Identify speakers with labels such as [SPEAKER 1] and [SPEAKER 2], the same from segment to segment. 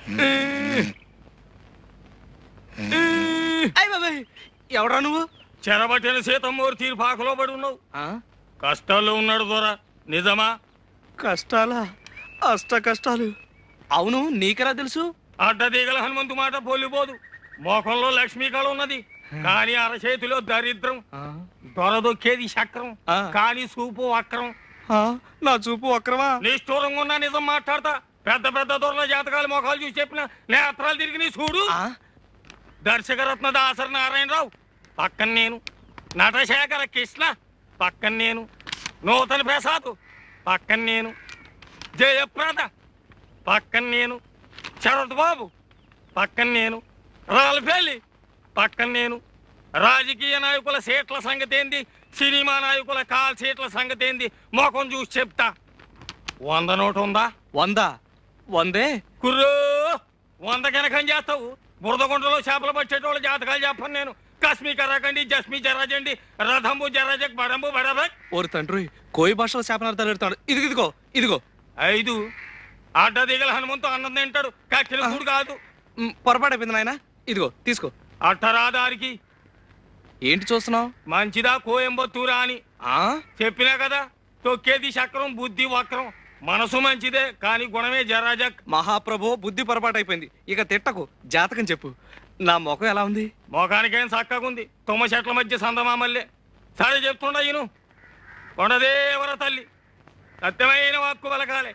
[SPEAKER 1] ఎవడా నువ్వు?
[SPEAKER 2] చెరబట్టిన సీతమ్మూరి తీర్పాకలో పడి ఉన్నావు. కష్టాల్లో ఉన్నాడు దొరా, నిజమా?
[SPEAKER 1] కష్టాలా? అష్ట కష్టాలు. అవును, నీకెలా తెలుసు?
[SPEAKER 2] అడ్డదీగల హనుమంతు మాట పోలిపోదు. మోకంలో లక్ష్మీ కళ ఉన్నది, కానీ అరచేతిలో దరిద్రం. దొరదొక్కేది చక్రం, కానీ చూపు వక్రం.
[SPEAKER 1] నా చూపు వక్రమా?
[SPEAKER 2] నిష్ఠూరంగా ఉన్నా నిజం మాట్లాడతా. పెద్ద పెద్ద దొరల జాతకాలు మొఖాలు చూసి చెప్పిన నేత్రాలు తిరిగి నీ చూడు. దర్శకరత్న దాసరి నారాయణరావు పక్కన నేను, నటశేఖర కృష్ణ పక్కన నేను, నూతన ప్రసాద్ పక్కన నేను, జయప్రద పక్కన నేను, శరత్ బాబు పక్కన నేను, రాల్ఫేలి పక్కన నేను. రాజకీయ నాయకుల సీట్ల సంగతి ఏంది, సినిమా నాయకుల కాల్ సీట్ల సంగతి ఏంది మొఖం చూసి చెప్తా. 100 నోటు ఉందా?
[SPEAKER 1] 100? 100
[SPEAKER 2] కుర్రో 100 కనకం చేస్తావు. బురదగుంటలో చేపలు పట్టేటోళ్ళ జాతకాలు చెప్పను నేను. కశ్మీ కర్రకండి, జస్మీ జరాజండి, రథంబు జరాజక్, బడంబు బడబక్.
[SPEAKER 1] ఓరి తండ్రి, కోయి భాషలో శాపనార్థాలు పెడతాడు. ఇదిగో ఇదిగో
[SPEAKER 2] 5 అడ్డదిగల హనుమంతు అన్నం తింటాడు, కక్కిల కూడు కాదు.
[SPEAKER 1] పొరపాటు అయిపోయింది నాయన. ఇదిగో తీసుకో.
[SPEAKER 2] అట్టరాదారికి
[SPEAKER 1] ఏంటి చూస్తున్నావు?
[SPEAKER 2] మంచిదా కోయంబత్తూరా అని చెప్పినా కదా. తొక్కేది చక్రం, బుద్ధి వక్రం. మనసు మంచిదే, కానీ గుణమే జరాజక్.
[SPEAKER 1] మహాప్రభు, బుద్ధి పొరపాటు అయిపోయింది. ఇక తిట్టకు, జాతకం చెప్పు. నా ముఖం ఎలా ఉంది?
[SPEAKER 2] ముఖానికేం చక్కగుంది, తుమ్మ చెట్ల మధ్య సందమామల్లే. సరే చెప్తుండా ఈను. కొండదేవర తల్లి సత్యమైన వాక్కు పలకాలే.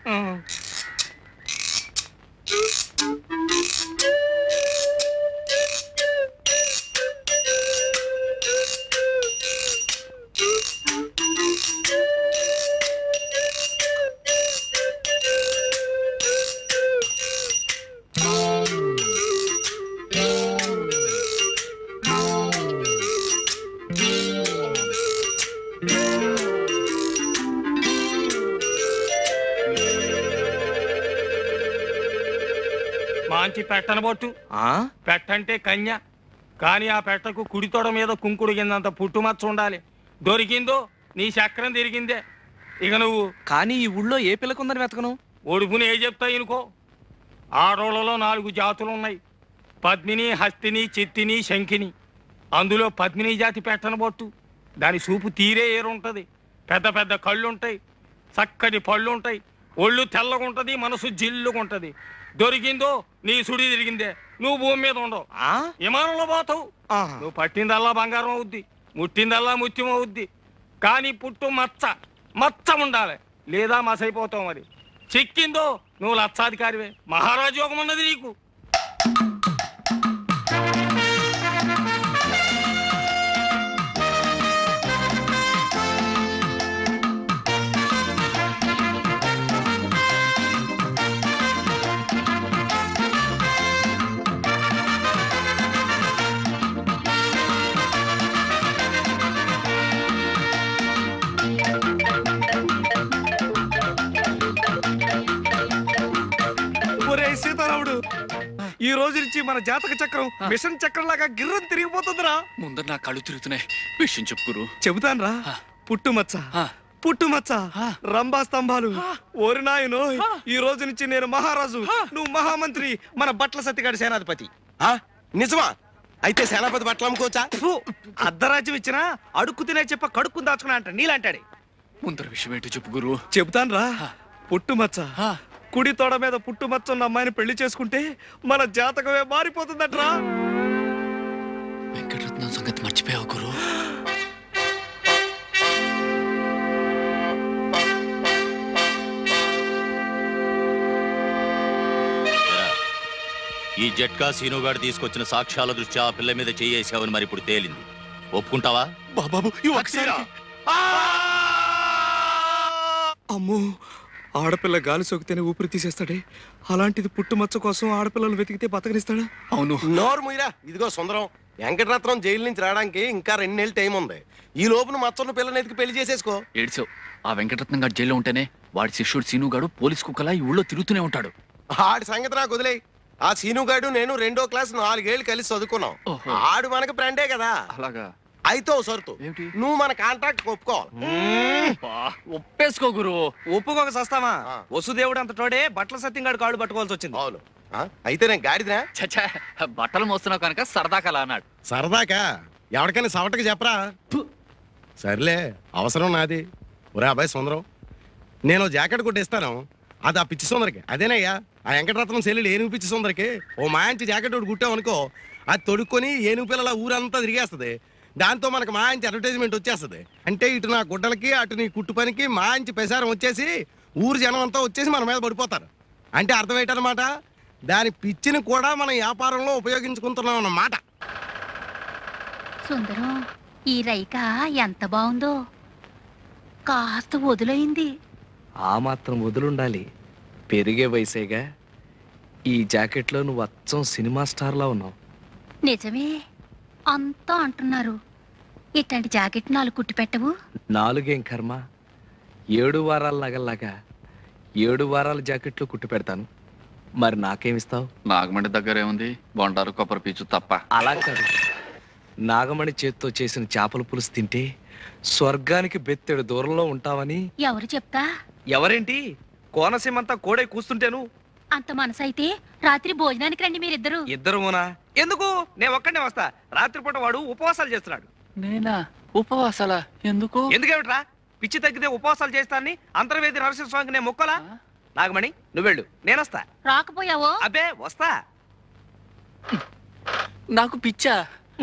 [SPEAKER 2] మంచి పెట్టనబొట్టు. పెట్టంటే కన్య, కానీ ఆ పెట్టకు కుడితోడ మీద కుంకుడు కిందంత పుట్టుమచ్చ ఉండాలి. దొరికిందో నీ చక్రం తిరిగిందే. ఇక నువ్వు
[SPEAKER 1] కానీ ఈ ఊళ్ళో ఏ పిల్లకుందని వెతకను?
[SPEAKER 2] ఒడుపుని ఏ చెప్తా ఇనుకో. ఆడోళ్లలో 4 జాతులు ఉన్నాయి, పద్మిని, హస్తిని, చిత్తిని, శంఖిని. అందులో పద్మిని జాతి పెట్టనబొట్టు. దాని చూపు తీరే ఏరుంటది. పెద్ద పెద్ద కళ్ళుంటాయి, చక్కటి పళ్ళుంటాయి, ఒళ్ళు తెల్లగుంటది, మనసు జిల్లుగుంటది. దొరికిందో నీ సుడి తిరిగిందే. నువ్వు భూమి మీద ఉండవు, విమానంలో పోతావు. నువ్వు పట్టిందల్లా బంగారం అవుద్ది, ముట్టిందల్లా ముత్యం అవుద్ది. కానీ పుట్టు మచ్చ మచ్చ ఉండాలి, లేదా మసైపోతావు. మరి చిక్కిందో నువ్వు లక్షాధికారివే. మహారాజు యోగం ఉన్నది నీకు.
[SPEAKER 1] సీతారాముడు, ఈ రోజు నుంచి మన జాతక చక్రం మిషన్ చక్రం లాగా గిర్రం తిరిగిపోతుందిరా.
[SPEAKER 3] ముందర నా కళ్ళు తిరుగుతున్నాయి, విషయం చెప్పుకురు.
[SPEAKER 1] చెబుతాను రా. పుట్టుమచ్చ, పుట్టుమచ్చ, రంభా స్తంభాలు. ఓరి నాయనో, ఈ రోజు నుంచి నేను మహారాజు, నువ్వు మహామంత్రి, మన బట్ల సత్తిగాడి సేనాధిపతి.
[SPEAKER 4] నిజమా? అయితే సేనాపతి బట్టలు అమ్ముకోవచ్చా?
[SPEAKER 1] అర్ధరాజ్యం ఇచ్చినా అడుక్కు తినే చెప్ప కడుక్కుని దాచుకున్నా అంట నీలాంటాడే.
[SPEAKER 3] ముందర విషయం ఏంటో చెప్పు గురు.
[SPEAKER 1] చెబుతాను రా. పుట్టుమచ్చ, కుడి తోడ మీద పుట్టుమచ్చ ఉన్న అమ్మాయిని పెళ్లి చేసుకుంటే మన జాతకమే మారిపోతుందట్రా.
[SPEAKER 3] వెంకటరత్నం సంగతి మర్చిపోయావు గురు.
[SPEAKER 5] ఈ జట్కా సీనుగాడు తీసుకొచ్చిన సాక్ష్యాల దృష్ట్యా ఆ పిల్ల మీద చేయేసావని మరి ఇప్పుడు తేలింది. ఒప్పుకుంటావా?
[SPEAKER 1] అమ్మో, ఆడపిల్ల గాలి సోకితేనే ఊపిరి తీసేస్తాడే, అలాంటిది పుట్టుమచ్చ కోసం ఆడపిల్లలు వెతికితే బతకనిస్తాడా?
[SPEAKER 3] అవును.
[SPEAKER 4] నోరు ముయ్యరా. ఇదిగో సుందరం, వెంకటరత్నం జైలు నుంచి రావడానికి ఇంకా 2 నెలలు టైం ఉంది. ఈ లోపున మచ్చన్న పిల్లని ఎతికి పెళ్లి చేసేసుకో.
[SPEAKER 3] ఏడ్చావు. ఆ వెంకటరత్నం గారు జైల్లో ఉంటేనే వాడి శిష్యుడు సీనుగాడు పోలీస్ కుక్కలా ఈ ఊళ్ళో తిరుగుతూనే ఉంటాడు.
[SPEAKER 4] ఆడి సంగతి నాకు వదిలే. ఆ సీనుగాడు నేను 2వ క్లాస్ 4 ఏళ్ళు కలిసి చదువుకున్నాం. ఆడు మనకు ఫ్రెండే కదా.
[SPEAKER 3] అలాగా?
[SPEAKER 4] అయితే సరుతు, నువ్వు మన కాంట్రాక్ట్ ఒప్పుకోవాలి.
[SPEAKER 3] ఒప్పేసుకో గురు.
[SPEAKER 1] ఒప్పుకోక సస్తామా? వసుదేవుడు అంత తోడే బట్ల సత్యంగాడు కాళ్ళు పట్టుకోవాల్సి వచ్చింది.
[SPEAKER 4] అవును. అయితే నేను గాడిదినా?
[SPEAKER 3] చచ్చా, బట్టలు మోస్తున్నావు కనుక సరదాగా అలా అన్నాడు.
[SPEAKER 4] సరదాకా ఎవరికైనా సవటకి చెప్పరా? సర్లే, అవసరం నాది. ఒరే అబ్బాయి సుందరం, నేను జాకెట్ కొట్టిస్తాను, అది ఆ పిచ్చి సుందరికి. అదేనయ్యా ఆ వెంకటరత్నం సెల్లుడు ఏనుగు పిచ్చి సుందరికి ఓ మాంచి జాకెట్ ఒకటి కుట్టాం అనుకో, అది తొడుక్కొని ఏనుగు పిల్లల ఊరంతా తిరిగేస్తుంది. దాంతో మనకు మాంచి అడ్వర్టైజ్మెంట్ వచ్చేస్తుంది. అంటే ఇటు నా గుడ్డలకి అటు నీ కుట్టు పనికి మాంచి ప్రసారం వచ్చేసి ఊరు జనం అంతా వచ్చేసి మన మీద పడిపోతారు. అంటే అర్థం ఏంటన్నమాట, దాని పిచ్చిని కూడా మనం వ్యాపారంలో ఉపయోగించుకుంటున్నాం అన్నమాట.
[SPEAKER 6] సుందరం, ఈ రైక ఎంత బాగుందో, కాస్త వదులైంది.
[SPEAKER 7] ఆ మాత్రం వదులుండాలి, పెరిగే వయసేగా. ఈ జాకెట్లో నువ్వు అచ్చం సినిమా స్టార్లా ఉన్నావు.
[SPEAKER 6] నిజమే, అంతా అంటున్నారు. ఇట్లాంటి జాకెట్ 4 కుట్టి పెట్టవు?
[SPEAKER 7] 4 కర్మ, 7 వారాల నగల్లాగా 7 వారాల జాకెట్లో కుట్టి పెడతాను. మరి నాకేమిస్తావు?
[SPEAKER 3] నాగమండి దగ్గర ఏముంది, బొండారు కొబ్బరి పీచు తప్ప.
[SPEAKER 7] అలా కాదు, నాగమణి చేత్తో చేసిన చేపల పులుసు తింటే స్వర్గానికి బెత్తెడు దూరంలో ఉంటావని.
[SPEAKER 6] ఎవరు చెప్తా?
[SPEAKER 7] ఎవరేంటి, కోనసీమంతా కోడే కూస్తుంటేను.
[SPEAKER 6] అంత మనసైతే రాత్రి భోజనానికి రండి మీరిద్దరు.
[SPEAKER 7] ఇద్దరునా? ఎందుకు? నేను ఒక్కడే వస్తా. రాత్రిపూట వాడు ఉపవాసాలు చేస్తున్నాడు.
[SPEAKER 3] నేనా? ఉపవాసాలా? ఎందుకు?
[SPEAKER 7] ఎందుకేమిట్రా, పిచ్చి తగ్గితే ఉపవాసాలు చేస్తానని అంతర్వేది నరసింహస్వామికి నేను మొక్కలా? నాగమణి నువ్వెళ్ళు, నేనొస్తా.
[SPEAKER 6] రాకపోయావో?
[SPEAKER 7] అబ్బే వస్తా.
[SPEAKER 3] నాకు పిచ్చా?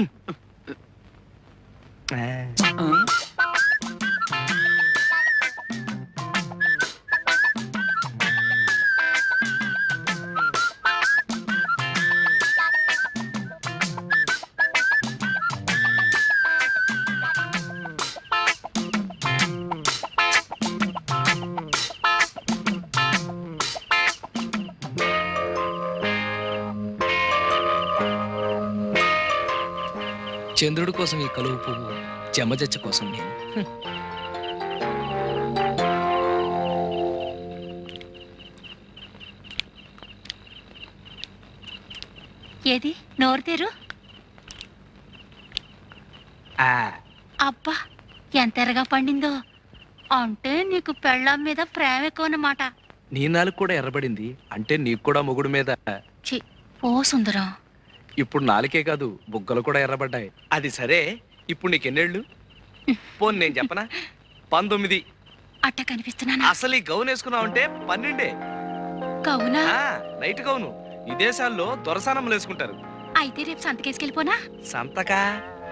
[SPEAKER 7] చంద్రుడి కోసం ఈ కలువు పువ్వు, చెమ్మజచ్చ కోసం నేను.
[SPEAKER 6] ఏది నోరు తెరు. అబ్బా, ఎంత ఎర్రగా పండిందో. అంటే నీకు పెళ్ళాం మీద ప్రేమ ఎక్కువ అన్నమాట.
[SPEAKER 7] నీ నాలుగు కూడా ఎర్రబడింది అంటే నీకు కూడా మొగుడు మీద.
[SPEAKER 6] చి, ఓ సుందరం,
[SPEAKER 7] ఇప్పుడు నాలుకే కాదు, బుగ్గలు కూడా ఎర్రబడ్డాయి. అది సరే, ఇప్పుడు నీకెన్నేళ్ళు? పోను నేను చెప్పనా, 19.
[SPEAKER 6] అట్ట కనిపిస్తున్నానా?
[SPEAKER 7] అసలు ఈ గౌన్ వేసుకున్నావంటే 12.
[SPEAKER 6] కవునా?
[SPEAKER 7] నైట్ గౌను ఈ దేశాల్లో దొరసానమ్మలు వేసుకుంటారు.
[SPEAKER 6] అయితే రేపు సంతకేసుకెళ్ళిపోనా?
[SPEAKER 7] సంతకా?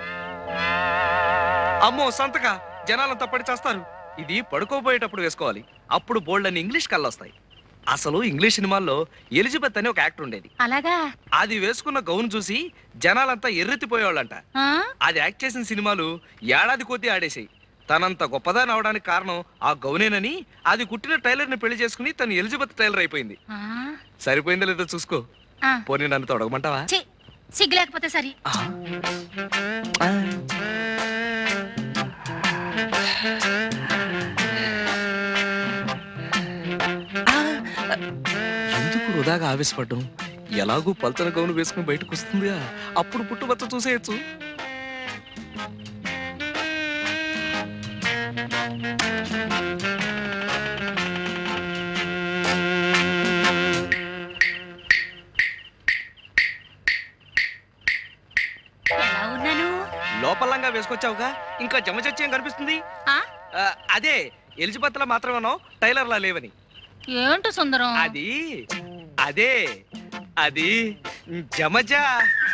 [SPEAKER 7] అమ్మో సంతకా, జనాలంతా పడి చేస్తారు. ఇది పడుకోబోయేటప్పుడు వేసుకోవాలి, అప్పుడు బోల్డ్ అని ఇంగ్లీష్ కళ్ళొస్తాయి. అసలు ఇంగ్లీష్ సినిమాల్లో ఎలిజబెత్ అని ఒక యాక్టర్ ఉండేది.
[SPEAKER 6] అలాగా?
[SPEAKER 7] అది వేసుకున్న గౌన్ చూసి జనాలంతా ఎర్రెత్తిపోయేవాళ్ళంట.
[SPEAKER 6] ఆ?
[SPEAKER 7] అది యాక్ట్ చేసిన సినిమాలు ఏడాది కొద్దీ ఆడేసాయి. తనంత గొప్పదాని అవడానికి కారణం ఆ గౌనేనని అది కుట్టిన టైలర్ ని పెళ్లి చేసుకుని తను ఎలిజబెత్ టైలర్ అయిపోయింది.
[SPEAKER 6] ఆ?
[SPEAKER 7] సరిపోయిందో లేదో చూసుకో.
[SPEAKER 6] ఆ.
[SPEAKER 7] పోనీ నన్ను తొడగమంటావా?
[SPEAKER 6] ఛీ, సిగ్గు లేకపోతే సరి.
[SPEAKER 7] ఎందుకు వృధాగా ఆవేశపడ్డం? ఎలాగూ పల్చన గౌను వేసుకుని బయటకు వస్తుందిగా, అప్పుడు పుట్టుబచ్చ చూసేయచ్చు.
[SPEAKER 6] ఎలా ఉన్నాను?
[SPEAKER 7] లోపలంగా వేసుకొచ్చావుగా, ఇంకా జమచచ్చేం కనిపిస్తుంది?
[SPEAKER 6] ఆ?
[SPEAKER 7] అదే ఎలిజబెత్ లా మాత్రమేనో టైలర్ లా లేవని.
[SPEAKER 6] ఏంటో సుందరం?
[SPEAKER 7] అది అదే అది జమజా.